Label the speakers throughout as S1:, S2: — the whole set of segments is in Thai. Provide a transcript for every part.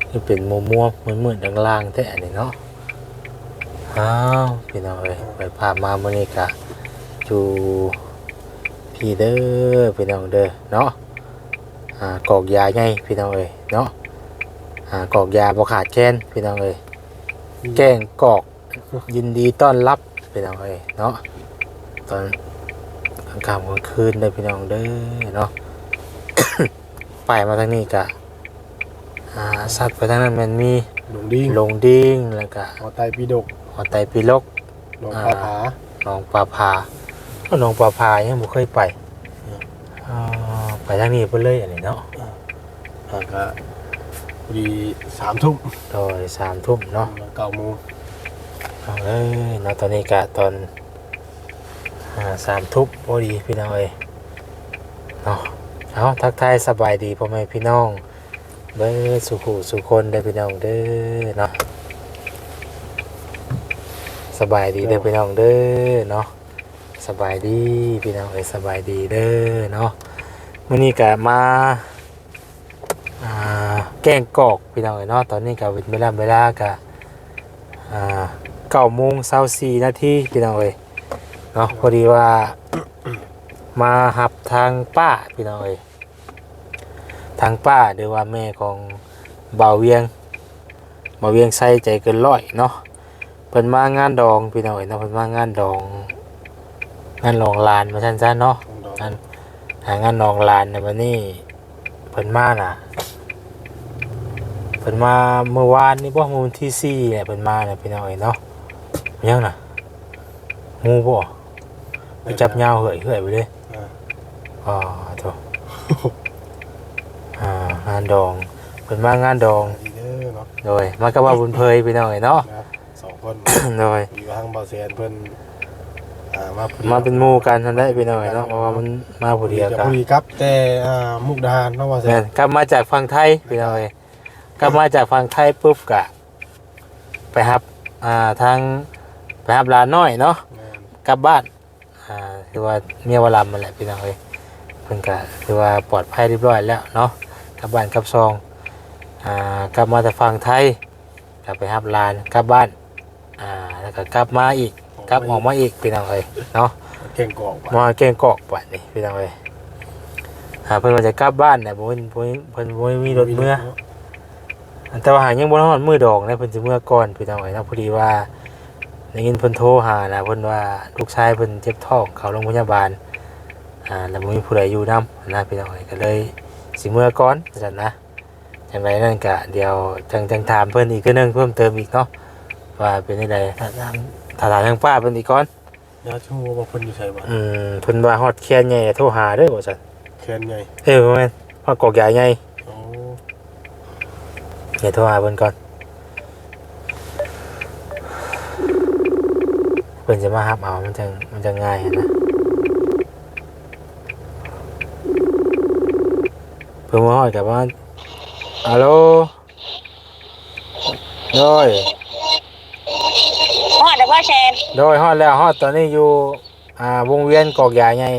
S1: คือเป็นมัวๆมืดๆล่างๆแท้นี่เนาะอ้าวพี่น้องเอ้ยไปพามามื้อนี้ก็อยู่พี่เด้อพี่น้องเด้อเนาะกอกยาใหญ่พี่น้องเอ้ยเนาะกอกยาบ่ขาดแคลนพี่น้องเอ้ยแกงกอกยินดีต้อนรับพี่น้องเอ้ยเนาะตอนกลางค่ำกลางคืนเด้อพี่น้องเด้อเนาะ ไปมาทางนี้ก็สัตว์ไปทางนั้นมันมี
S2: ลงดิ้ง
S1: ลงดิ้งแล้วก็
S2: หอไตปีดก
S1: หอไตปีลก
S2: หนองปลาผา
S1: หนองปลาพาหนองปลาพายังบ่เคยไปไปทางนี้เพิ่นเลยอันนี้เนาะ
S2: ก็พอดี3 ทุ่ม
S1: โดย3 ทุ่มเนาะ
S2: 9 โมง
S1: เอาเลยเนาะตอนนี้ก็ตอน3 ทุ่มพอดีพี่น้องเอ้ยเนาะเอาทักทายสบายดีพ่อแม่พี่น้องเด้อสุขุสุคนได้พี่น้องเด้อเนาะสบายดีเด้อพี่น้องเด้อเนาะสบายดีพี่น้องเอ้ยสบายดีเด้อเนาะมื้อนี้ก็มาแกงกอกพี่น้องเอ้ยเนาะตอนนี้ก็เวลาก็9:24 นาทีพี่น้องเอ้ยเนาะพอดีว่ามาหับทางป้าพี่น้องเอ้ยทางป้าหรือว่าแม่ของบ่าวเวียงใส่ใจเกินร้อยเนาะเพิ่นมางานดองพี่น้องเอ้ยเนาะเพิ่นมางานดองลานมาซั่นๆเนาะงานดองลานในวันนี้เพิ่นมาน่ะเพิ่นมาเมื่อวานนี่บ่มื้อวันที่4เนี่ยเพิ่นมาน่ะพี่น้องเอ้ยเนาะยังน่ะงูบ่ไปจับยาวเหื่อยไปเลยโธ่งานดองเพิ่นมางานดองโดยมากับว่าบุญเพยพี่น้องเอ้ยเนาะ
S2: 2 คน
S1: โดย
S2: อยู่ทางบ่าวแสนเพิ่น
S1: มาเป็นหมู่กันทันได้พี่น้องเอ้ยเนาะเพราะว่ามันมาผู้เดียวกัน
S2: พอดีครับแต่มุกดาหารเนาะบ่าวแสน
S1: กลับมาจากฝั่งไทยพี่น้องเอ้ยกลับมาจากฝั่งไทยปุ๊บก็ไปรับทางไปรับหลานน้อยเนาะกลับบ้านคือว่าเมียวลำนั่นแหละพี่น้องเอ้ยเพิ่นก็คือว่าปลอดภัยเรียบร้อยแล้วเนาะกลับบ้านกลับซองกลับมาจากฝั่งไทยกลับไปรับหลานกลับบ้านแล้วก็กลับมาอีกกลับออกมาอีกพี่น้องเอ้ยเนาะ
S2: เก่งกอก
S1: มาแกงกอกบัดนี่พี่น้องเอ้ยเพิ่นว่าจะกลับบ้านน่ะเพิ่นบ่มีรถเมื่อแต่ว่าหายังบ่ฮอดมื้อดอกนะเพิ่นสิเมื่อก่อนพี่น้องเอ้ยเนาะพอดีว่าได้ยินเพิ่นโทรหานะเพิ่นว่าลูกชายเพิ่นเจ็บท้องเข้าโรงพยาบาลแล้วบ่มีผู้ใดอยู่นำนะพี่น้องเอ้ยก็เลยสิเมื่อก่อนว่าซั่นนะจังไดนั่นก็เดี๋ยวจังถามเพิ่นอีกคือนึงเพิ่มเติมอีกเนาะว่าเป็นจังไดถ้าถามทางป้าเพิ่นอีกก่อน
S2: ยาชูว่าเพิ่นอยู่ไสบ่
S1: เพิ่นว่าฮอดแคนใหญ่โทรหาเด้อว่าซั่น
S2: แคนใหญ่
S1: แม่นฮอดกอกใหญ่ใหญ่เดี๋ยวโทรหาเพิ่นก่อนเพิ่นจะมารับเอามันจะง่ายนะเพิ่นมาฮอดกับว่าฮัลโหลโดย
S3: ฮอดแล้วบ่แชน
S1: โดยฮอดแล้วฮอดตอนนี้อยู่วงเวียนกอกใหญ่ใหญ่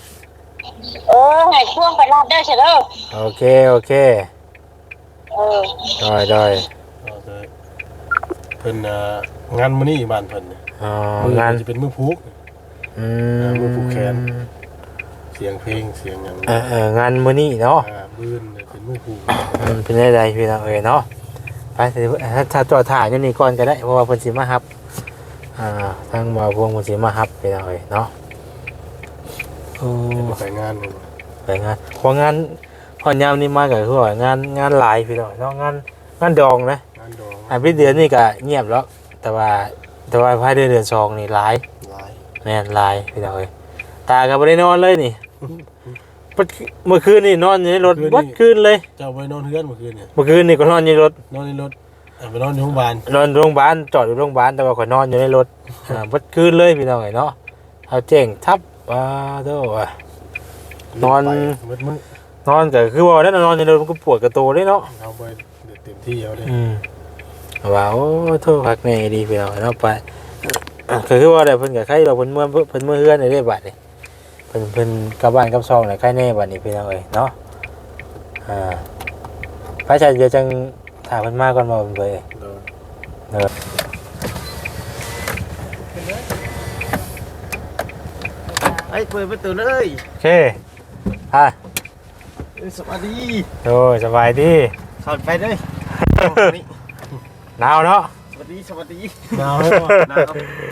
S3: ให้พ่วงไปรับได้เด้อเด้อ
S1: โอเคได้
S2: เพิ่นงานมื้อนี้บ้านเพิ่น
S1: งาน
S2: จะเป็นมื้อพุกมื้อพุกแคนเสียงเพลงเสียงหยัง
S1: งานมื้อนี้เนาะ
S2: มื้อเป็นมื้อพุก
S1: เป็นได้พี่น้องเอ้ยเนาะไปถ้าจอดถ่ายนี่ก่อนก็ได้เพราะว่าเพิ่นสิมารับทางบ่าวพวงเพิ่นสิมารับพี่น้องเอ้ยเนาะ
S2: ไปงาน
S1: พองานพอยามนี้มาก็คือว่างานหลายพี่น้องเนาะงานดองนะ
S2: งานดอง
S1: พี่เดือนนี่ก็เงียบแล้วแต่ว่าภายในเดือน2นี่หลายแม่นหลายพี่น้องเอ้ยตาก็บ่ได้นอนเลยนี่เมื่อคืนนี่นอนอยู่ในรถวัดคืนเลย
S2: เจ้าไปนอนเฮือนเมื่อคืนเนี่ย
S1: เมื่อคืนนี่ก็นอนอยู่ในรถ
S2: ไปนอนอยู่โรงพยาบาล
S1: จอดอยู่โรงพยาบาลแต่ว่าข่อยนอนอยู่ในรถวัดคืนเลยพี่น้องเอ้ยเนาะเอาแจ้งทับว่าโธ่นอนก็คือว่าแล้วนอนอยู่ในรถมันก็ปวดกระโตเลยเนาะ
S2: เอาไปเต็มที่เอาเลย
S1: ว่าโอ้โทษพักในดีพี่น้องเนาะไปก็คือว่าได้เพิ่นก็ใครเราเพิ่นเมื่อเฮือนได้บัดนี่เพิ่นกลับบ้านกลับซองน่ะใครแน่บัดนี้พี่น้องเอ้ยเนาะพระอาจารย์จะจังถามเพิ่นมาก่อนบ่เพิ่นไป
S2: โดน
S1: เออ
S2: ไอ้เปิดประตูเลย
S1: โอเคอ่ะ
S2: สวัสดี
S1: โอ้ยสบายดี
S2: ถอดไปเลยนี่
S1: หนาวเนาะ
S2: สวัสดีสวัสดี
S1: หนาวเลย
S2: หนาว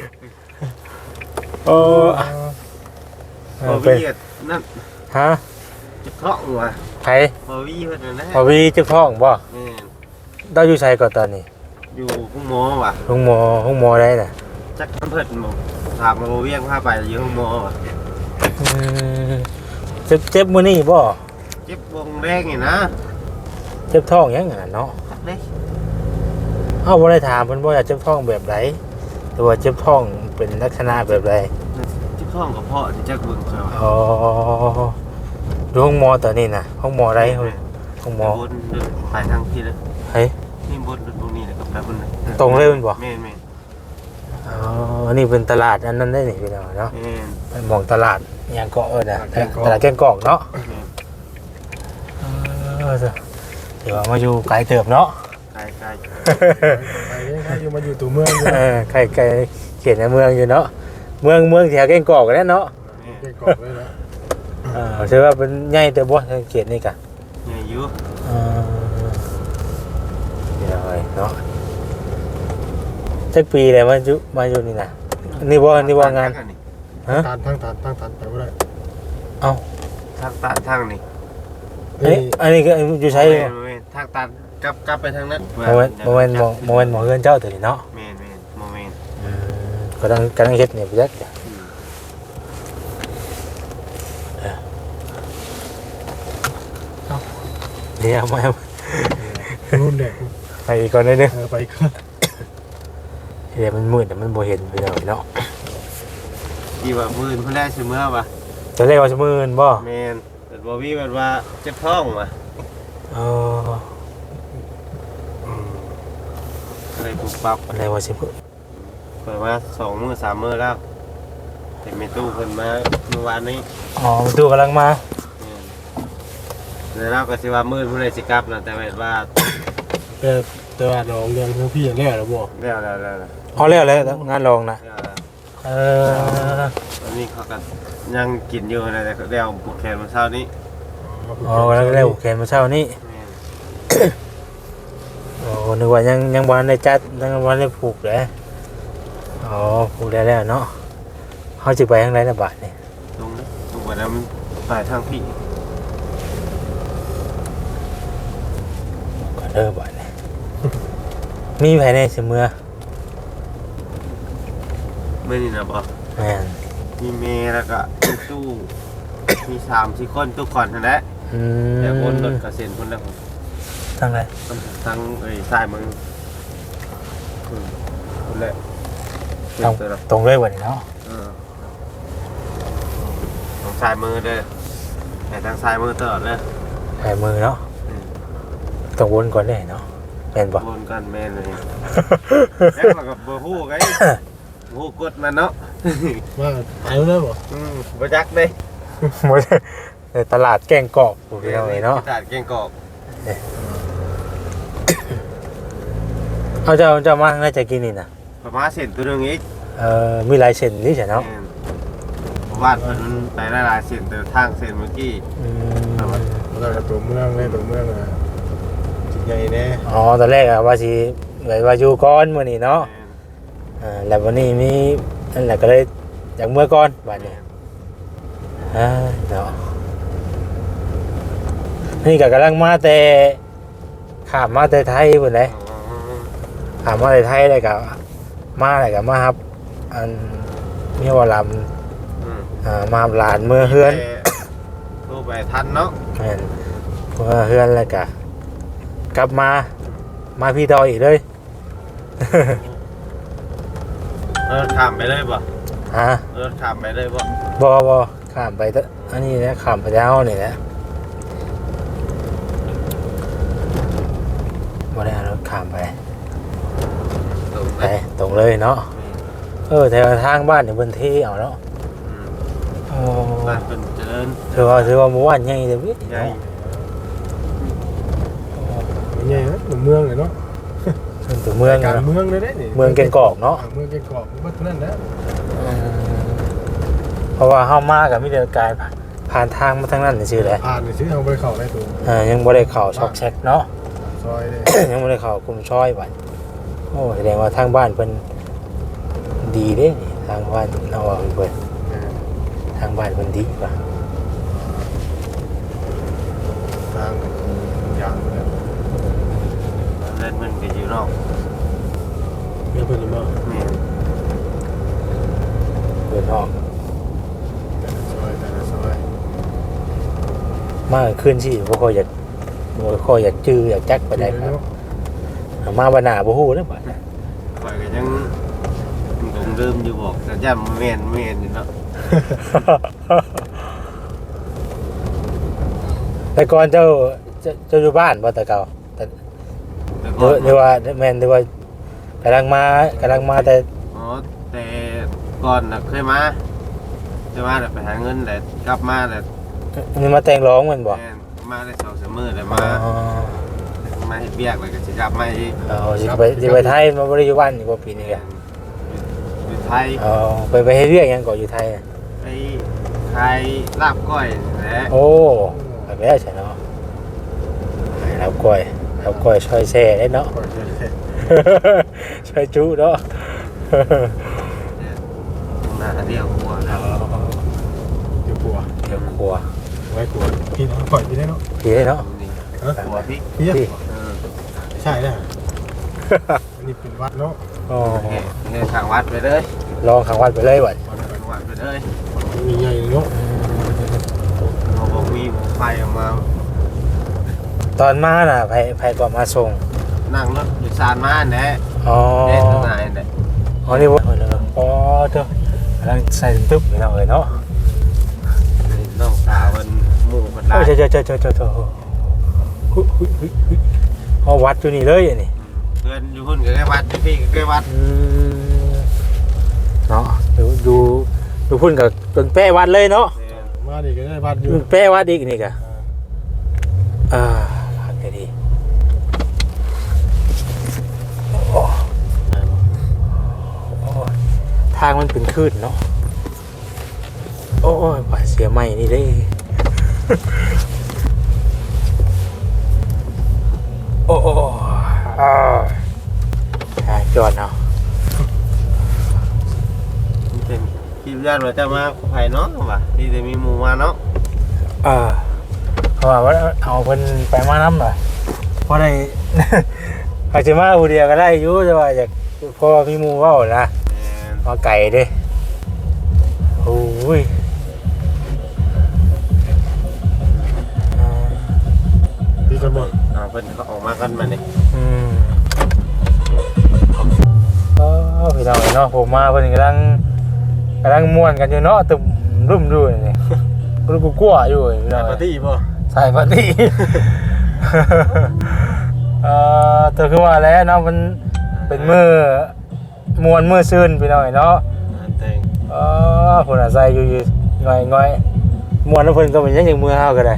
S1: โอ้
S2: บอวี่นั่น
S1: ฮะ
S2: จะเคาะว่ะ
S1: ไผ
S2: บอวี่เพิ่นนะ
S1: พอวีจึกท้องบ่
S2: แม่น
S1: เราอยู่ไสก่อนตอนนี้
S2: อยู่ห้องหมอว่ะ
S1: ห้องหมอได้น่ะ
S2: จักเพิ่นบอกถามมาบอวี่พาไปอยู่ห้องหมอว่ะ
S1: อืมเจ็บมื้อนี้บ่
S2: เจ็บวงแรกนี่นะ
S1: เจ็บท้องยังไงเนาะ
S2: จักเลย
S1: เอ้าบ่ได้ถามเพิ่นบ่อยากเจ็บท้องแบบใดหรือว่าเจ็บท้องเป็นลักษณะแบบใด
S2: เจ็บท้องกับพ่อที่จักเบิ่งเขา
S1: อ๋อดูห้องหมอตอนนี้น่ะห้องหมอได้ห้องหมอ
S2: บนไปทางที่เลย
S1: เฮ้ย
S2: นี่บนตรงนี้เลยกับแบบบนเลย
S1: ตรงเลยมันบ่
S2: แม่นแม่น
S1: อ๋ออันนี้เป็นตลาดอันนั้นได้นี่พี่น้องเนาะ
S2: แม่น
S1: เป็นหมองตลาดอิหยังเกาะนะตลาดแกงกอกเนาะ
S2: แม่น
S1: เออเดี๋ยวมาอยู่ไกลเติบเนาะ
S2: ไกลไกล
S4: ไปเลยครับอยู่มาอยู่ตัวเมืองอยู่
S1: เออไกลเขียนในเมืองอยู่เนาะเมืองแถวแกงกอกกันแหล้วเนาะ
S2: แม่น
S4: เก่งกอกเลยนะ
S1: เชื่อว่าเป็นใหญ่เติบบ่เขียนนี่กะ
S2: ใหญ่อยู่
S1: เดี๋ยวไว้เนาะสักปีเลยมาอยู่นี่นะนี่ว่างาน ฮะ
S4: ทางตันไปบ่ได้
S1: เอ้า
S2: ทางตันทางนี่
S1: อันนี้ก็อยู่ใช้
S2: แม่นแม่นทางตันกลับไปทางนั้น
S1: โมเมนต์หมอเฮือนเจ้าตัวนี้เนาะ
S2: แม่นแม่นโมเมนต์
S1: กำลังเฮ็ดเนี่ยพี่แจ๊คเดี๋ยวมา
S4: รุ่นแดก
S1: ไปอีกก่อนได้นึง
S4: ไปก่อน
S1: เดี๋ยวมันมืดแต่มันบ่เห็นพี่น้องเนาะ
S2: ที่ว่ามื้อเพิ่นแรกสิเมื่อว่ะ
S1: จะเรียกว่าชั่วโมงบ่
S2: แม่นแต่บ่มีแบบว่าเจ็บท้องว่ะ
S1: เออ
S2: อะไรปุ๊บปั๊บ
S1: อะไรว่าสิเพิ่น
S2: เปิดมา2มื้อ3มื้อแล้วแต่แม่ตู้เพิ่นมาเมื่อวานนี้
S1: อ๋อมันตู้กำลังมา
S2: แล้วเราก็สิว่ามื้อเพิ่นได้สิกลับนะแต่ว่า
S4: แต่ว่าน้องเรื่องทั้งพี่อย่างแน่แล้วบ่
S2: แล้ว
S1: เอาแล้วงานรองนะเออ
S2: ตอนนี้เขาก็ยังกินอยู่นะแต่เดี๋ยวผูกแขนมาเช้านี้
S1: อ๋อกำลังเร็วแขนมาเช้านี้
S2: แม่น
S1: โอ้นึกว่ายังบ่ทันได้จัดยังบ่ทันได้ผูกเลยอ๋อผูกได้แล้วเนาะเฮาสิไปทางไหนน่ะบาดนี่
S2: ตรงวันนั้นมันไปทางพี่
S1: ก็เด้อบาดนี่มีไผในสิเมื่อ
S2: เมื่อนี้นะบอก
S1: แม่น
S2: มีเมย์แล้วก็มีตู้มี3-4คนทุกคนนั่นแหละ
S1: อืม
S2: แต่คนรถกระเซ็นคนละคน
S1: ทางไหน
S2: ทางสายมึงคนละ
S1: ตรงเลยบ่นี่เนาะ
S2: ทางสายมือเด้อแต่ทางสายมือตลอดเลย
S1: ใส่มือเนาะต้องวนก่อนได้เนาะแม่นบ่
S2: วนกันแม่นเลยแล้วเราก็บ่ฮู้ไงฮู้กดมันเนาะ
S4: ว่าไปแล้วบ่
S2: บ่จักเด้
S1: หมดในตลาดแกงกอกพวกนี้เนาะ
S2: ตลาดเก่งกอก
S1: เอาเจ้ามาน่าจะกินนี่นะ
S2: ประมาณเส้นตัวหนึงอีก
S1: มีหลายเส้นนี่ใช่เนาะ
S2: บ้านเพิ่นไปหลายๆเส้นแต่ทางเส้นเมื่อกี้
S4: แล้วก็ตัวเมืองเลยตัวเมืองอ่ะจิตใหญ่แน่
S1: อ๋อตอนแรกอะว่าสิว่าอยู่ก่อนมื้อนี้เนาะแล้ววันนี้มีนั่นแหละก็เลยอยากเมื่อก่อนบัดนี้เนาะนี่ก็กำลังมาแต่ข้ามมาแต่ไทยพุ่นเลยข้ามมาแต่ไทยเลยก็มาเลยก็มาครับอันมีว่าลำมาหลานเมื่อเฮือน
S2: โทรไปทันเนาะ
S1: แม่นเมื่อเฮือนแล้วก็กลับมาพี่ต่ออีกเลย
S2: ข้ามไปเลยบ่
S1: ฮะ
S2: ข้ามไปเลยบ่
S1: บข้ามไปอันนี้นะข้ามไปแล้วนี่นะบ่ได้เอารถข้ามไปตรงเลยเนาะแถวทางบ้านเนี่ยเพิ่นเทเอาเนาะ
S2: บ้านเป็นเจริญ
S1: ถือว่าหมู่บ้านใหญ่เด้อพี่
S2: ใหญ่
S4: มีใหญ่นะตัวเมืองเลยเนาะ
S1: ตัวเมือง
S4: กลาง
S1: เนาะ
S4: เมืองเลยได้นี่
S1: เมืองแก่งกอกเนาะ
S4: เมืองแก่งกอกมันนั่นนะ
S1: เพราะว่าเฮามากับมีแต่กายผ่านทางมาทางนั้นซื่อแหละ
S4: ผ่านนี่ซื้อเอาไปเข้าได้ตัว
S1: ยังบ่ได้เข้าช็อกแซกเนาะ
S4: ซอยเลย
S1: ยังบ่ได้เข้ากลุ่มซอยบัดโอ้แสดงว่าทางบ้านเพิ่นดีเด้นี่ทางบ้านเอาว่าเพิ่นทางบ้านเพิ่นดีป่ะ
S4: ทางยางเลย
S2: เล่นมันก็อยู่นอก
S4: เมียเพิ่นมา
S2: แม่น
S1: เพิ่นออก
S4: แต่ละซอย
S1: มาคืนสิบ่ค่อยอยากจื้ออยากจักไปได้ครับมาบ่หน้าบ่ฮู้เด้อบัด
S2: ข่อยก็ยังคงเริ่มอยู่บอกแต่ย่ำแม่นอยู่เนาะ
S1: แต่ก่อนเจ้าอยู่บ้านบ่แต่เก่าแต่
S2: แต่ก่อน
S1: หรือว่าแม่นหรือว่ากำลังมาแต่
S2: อ๋อแต่ก่อนน่ะเคยมาแต่ไปหาเงินแต่กลับมาแต่
S1: นี่มาแต่งร้องแมันบ่
S2: แม่นมาได้2-3 มื้อแต่
S1: อ๋
S2: มาเฮ็ดเวียกแล้วก็สิกลับมาอีก
S1: สิไปไทยมาบ่ได้อยู่บ้านนี่บ่ปีนี้ก็
S2: อยู่ไทย
S1: อ๋อไปเฮ็ดเวียกหยังก่ออยู่ไทยอะ
S2: ไปขายลาบก้อยนี่แหละ
S1: โอ้ไปแล้วใช่เนาะไปแล้วก้อยช่อยแซ่ได้เนาะ
S4: ก่อนจะเสร็จ
S1: ช่อยจุเนาะ
S2: หน้าเดียวกว่าแล้ว
S4: เดี๋ยวกลัว
S1: เดี๋ยวครัว
S4: ไว้กลัวพี่น้องปล่อยพี่ได้เนาะ
S1: พี่ได้เนาะ
S2: นี่หัวพริก
S4: พี่
S1: พี่
S4: ใช่เลยอันนี้เป็นวัดเนาะ
S1: อ๋อ
S2: เงินทางวัดไปเลย
S1: ลองขังวัดไปเลยบัด
S2: ทางวัดไปเลย
S4: มีใหญ่เนาะ
S2: เขาบอกมีไฟออกมา
S1: ตอนมาน่ะไผก็มาส่ง
S2: นั่งรถโดยสารมาแหละ
S1: อ๋อ
S2: เด็กข้างในแหละ
S1: อ๋อนี่บ่อ๋อเด้อกำลังใส่ตึ๊บไปเนาะเอ้ยเนาะ
S2: น้องสาวมันหมู่คน
S1: โอ้
S2: ร้าย
S1: เจ้าเอาวัดอยู่นี่เลยอันนี้
S2: เพื่อนอยู่หุ่นกับใกล้วัดอยู่พี่กับใกล้วัด
S1: เนาะดูพุ่นกับจนแป้วัดเลยเนาะ
S4: มาดิก็ได้วัดอยู่
S1: แป้วัดอีกนี่กะพักให้ดีโอ้ทางมันเป็นคลื่นเนาะโอ้ยป่าเสียใหม่นี่ได้โอ้จอดเนาะ
S2: เป็นคิดญาติว่าจะมาไผ่เนาะว่ะที่จะมีหมู่มาเนาะ
S1: เขาว่าเอาเพิ่นไปมาน้ำหน่อยเพราะได้ อาจจะมาผู้เดียวก็ได้อยู่แต่ว่าอยากพอมีหมู่เว้านะมาไก่เด้โอ้ย
S4: พี่กันหมด
S2: เพิ่นเขาออกมากันมาเนี่ย
S1: พี่น้องเนาะผมมาเพิ่นกำลังม่วนกันอยู่เนาะตึมรุ่มด้วยนี่กูกลัวอยู่พี่น้อง
S4: ปาร์ตี้ป่ะ
S1: ใส่ปาร์ตี้ ตัวคือว่าแล้วเนาะมันเป็นมือมวนมือซื่นพี่น้องเนาะ
S2: แต่ง
S1: เพิ่นอาศัยอยู่ง่อยมวนแล้วเพิ่นก็เป็นยังอย่างมือเฮาก็ได้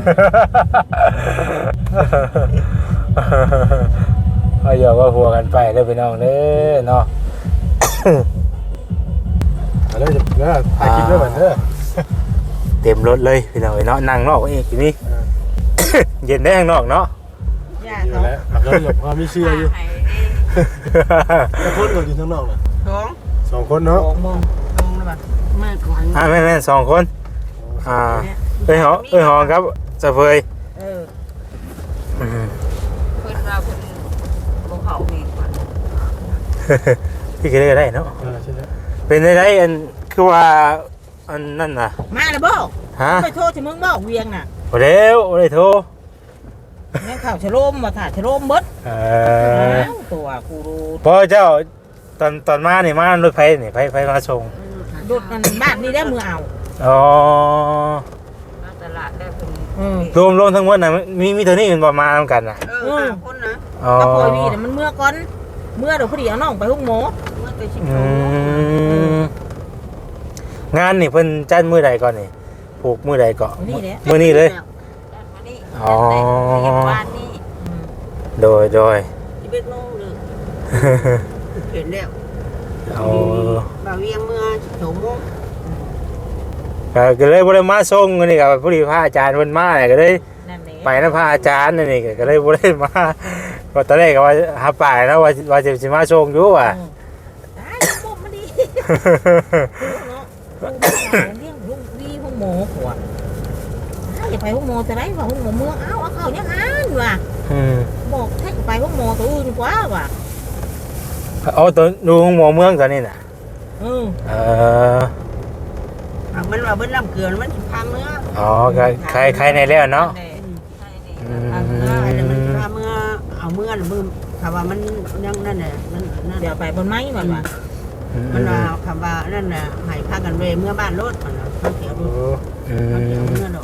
S1: เอาอย่าว่าหัวกันไปเด้อพี่น้องเด้อเนาะ
S4: แล้วถ่ายคลิปด้วยเหมือนเด้อ
S1: เต็มรถเลยพี่น้องเนาะนั่งนอกเองทีนี้ เย็นได้ข้างนอกเนาะ
S4: อยู่แล้วแล้วหลบความไม่เชื่ออยู่คนก็อยู่ข้างนอกน่ะ2 คนเนาะ
S1: แม่สองคนเอ้ยหอครับจะเฟย
S5: เพิ่นเราเพิ่นบ่เข้าอีกว่า
S1: พี่ก็ได้เนาะ
S4: ใช่แล้ว
S1: เป็นได้อันคือว่าอันนั่นน่ะ
S5: มาแล้วบ่
S1: ฮะ
S5: ไปโทษที่มึงบ่เวียงน่ะ
S1: บ่แล้วบ่ได้โทร
S5: งั้นข้าวชะโลมมาถ่าชะโลมเบิดตัวกูรู้
S1: พอเจ้าตอนมานี่มารถไฟนี่ไฟมาส่ง
S5: ดุดมันบ้านนี่ได้มือเอา
S1: อ๋อ
S5: มาตลาดได้เพิ่น
S1: รวมทั้งหมดน่ะมีเท่านี้มันบ่มานํกันน่ะ
S5: 5 คนนะ
S1: อ๋อ
S5: ก็ปล่อยวีน่ะมันเมื่อก่อนเมื่อเดี๋ยวพอดีเอาน้องไปหุ้งหมอเมื่อแต่ชิบ
S1: งานนี่เพิ่นจัดมื้อใดก่อนนี่ผูกมื้อใดก่อน
S5: นี่แหละ
S1: มื้อนี้เลย
S5: มานี่
S1: อ๋อ
S5: เรียกบ้านนี่
S1: โดย
S5: 11โมงเลยเห็นแล้ว
S1: เอา
S5: บ่าวเวียงเมื่อ2โมง
S1: ก็เลยบ่ได้มาส่งนี่ก็พอดีพระอาจารย์เพิ่นมาเนี่ยก็เลย
S5: นั่นแหละ
S1: ไปนำพระอาจารย์นี่ก็เลยบ่ได้มาก็ตอนแรกก็ว่าหาป่ายนะว่าจะสิมาส่งอยู่ว่ะ
S5: ตายปุ๊บมาดิเนาะเลี้ยงลูกดีห้องหมอหัวอย่าไปห้องหมอจะได้ว่าห้องหมอเมืองเอาเขายังอ่านว่ะ บอกให้ไปห้องหมอตัวอื่นกว่าว่ะ
S1: เอาตัวดูหมอเมืองตอนนี้น่ะ
S5: เออ
S1: เออ
S5: มันว่าเบิ้ลน้ำเกลือมันพังเนื้อ
S1: อ๋อก็ใครในแล้วเนาะ
S5: พังเนื้ออะไรมันว่าเมื่อเอาเมื่อหรือมือคำว่ามันยังนั่นน่ะนั่นเดี๋ยวไปบนไม้มันว่ามันว่าคำว่านั่นน่ะให้พากันเวเมื่อบ้านรถมันเขาเขียวดูเขาเขียวเมื่อดอก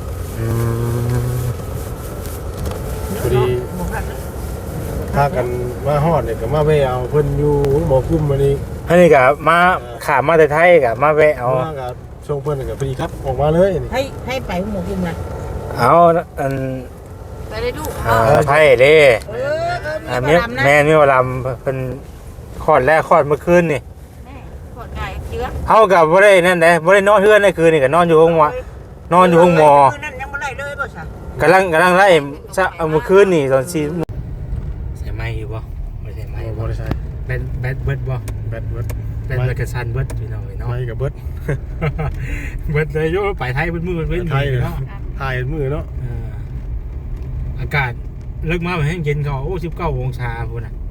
S4: พอดีพากันมาฮอดเนี่ยก็มาแวะเอาเพิ่นอยู่หมอกุ้มมานี่
S1: อันนี้ก็มาขามาแต่ไทยก็มาแวะเอา
S4: มากับส่งเพิ่นก็พอดีครับออกมาเลยนี่
S5: ให้ไปห้องหมอกินนะ
S1: เอาอัน
S5: ไปเลยดู
S1: ไทยเด้
S5: มีบารมนะ
S1: แม่มีวลำเป็นคลอดแรกคลอดเมื่อคืนนี่
S5: ขวดไก่เชื้อ
S1: เอากับบ่ได้นั่นเด้บ่ได้นอนเฮือนในคืนนี่ก็นอนอยู่ห้องหมอนอนอยู่ห้องหมอ
S5: นั่นยังไม่ได้เลยป่ะจ๊ะ
S1: กำลังไล่ซะเอาเมื่อคืนนี่ตอน4ใส่ไม้อยู่บ่บ่ใส่ไม้
S4: บ่ได้ใช้
S1: แบตเบิดบ่
S4: แบตเบิด
S1: แบตเบิดกระสันเบิดพี่น้องเนาะ
S4: ไม้กับเบิด
S1: เบิดเลยโยไปไทยเบิดมือเบิด
S4: ไทยเลย
S1: เนาะ
S4: ถ่ายมือเนาะ
S1: อากาศเลิกมาแห้งเย็นเขาโอ้19องศาพุ่นน่ะ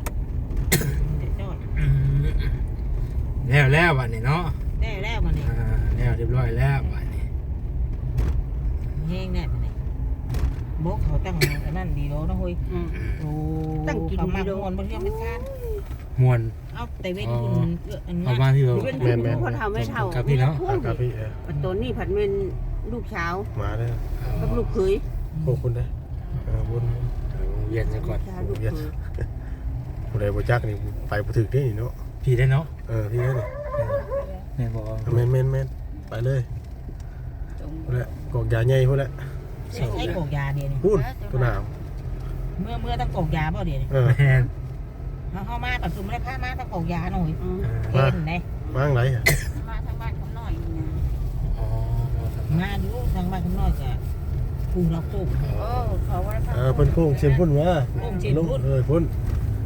S1: แล้วบัดนี้เนาะ
S5: ได้แล้วมันนี่
S1: แล้วเรียบร้อยแล้วบัดนี้
S5: แห้งแน่มันนี่โบกเขาตั้งนั่นดีโลนะเฮ้ยตั้งกินมาโดนบนเครื่องเป็นการ
S1: ม่วน
S5: เอาแต่เว้นคุณอัน
S1: เอา
S5: นั้น
S1: มาที่เรา
S4: แม่น
S5: คนเท่าไม่เท่า
S1: ครับพี่เนาะ
S4: ครับพี่
S5: ตัวนี้ผัดเป็นลูกเช้า
S4: มาเด้อ
S5: กับลูกเคย
S4: พวกคุณเด้อบุญ
S1: เวียนซะก่อน
S5: ลูกเคย
S4: ผู้ใดบ่จักนี่ไปบ่ถึกนี่เนาะ
S1: พี่ได้เนาะ
S4: พี่เด้อนี่
S1: แม่บอก
S4: แม่นไปเลยพุ่นแหละกอกยาใหญ่พุ่นแหละ
S5: ใช้กอกยาเดียวนี่
S4: พูดตัวหนาว
S5: เมื่อต้องกอกยาเปล่าเดียวนี่
S4: เออ
S1: แม่น
S5: เข้ามากับซุมได้ผ้ามาต้องกอกยาหน่อยเห็นไหม
S4: มาทางไหนอ่ะ
S5: มาทางบ้านเขาหน่อย
S1: อ๋อ
S5: มาดูทางบ้านเขาหน่อยจะปูเราปูเขาว่า
S4: เพิ่นโค้งเชียนพุ่นมา
S5: โค้งเชียนพุ่น
S4: พุ่น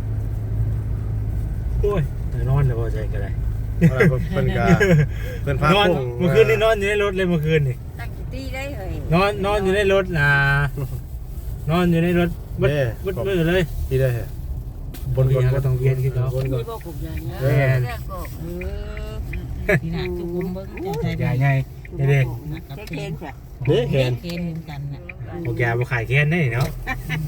S1: โอ้ยนอนเลยพอใจกันเลย
S4: อะไรเพิ่นก็เพิ่นพาน
S1: อน
S4: โค้ง
S1: เมื่อคืนนี่นอนอยู่ในรถเลยเมื่อคืนนี่
S5: ตั้งตีได้เลย
S1: นอนอยู่ในรถนะนอนอยู่ในรถบึดมือเลย
S4: ที่ได้บน
S1: ก็ต้องเวียนขึ้นเนาะ
S4: บนก่อน
S5: บอกกอกยา
S1: แม่น
S5: ที่นั่นจุกมเบิ้งใจ
S1: ใหญ่ใหญ่เด็ก
S5: เคนใช่
S4: นี่แขน
S5: เคนกันน่ะ
S1: โอเคมาขายแค้นได้เนาะ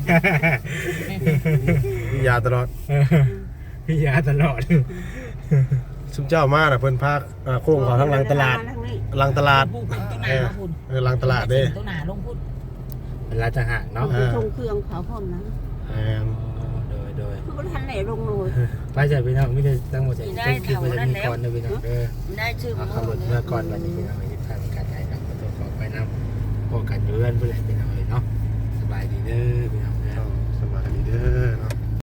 S4: มียาตลอด
S1: พี่ยาตลอด
S4: ซุมเจ้ามาน่ะเพิ่นพาโค้งเขาทั้งหลังตลาดหลังตลาด
S5: พูดต้นหนาพูด
S4: หลังตลาดเด้
S5: ต้นหนาลงพูด
S1: เป็นร้านอาหารเนาะ
S5: ชงเครื่องเขาพร้อมนะ
S1: โดย
S5: คือทันไหนลงเลย
S1: ไปจากพี่น้องไม่ได้ตั้งหมดใจต้องคิดว่าจะมีก่อนนะพี่น้องเออ
S5: ได้ชื่อ
S1: เอาขับรถเมื่อก่อนวันนี้พี่น้องไปทางการใช้ครับตัวขอไปนำพวกกันอยู่เพื่อนเพื่อนพี่น้องเลยเนาะสบายดีเด้อพี่น้องเด้อ
S4: สบายดีเด้อเนาะ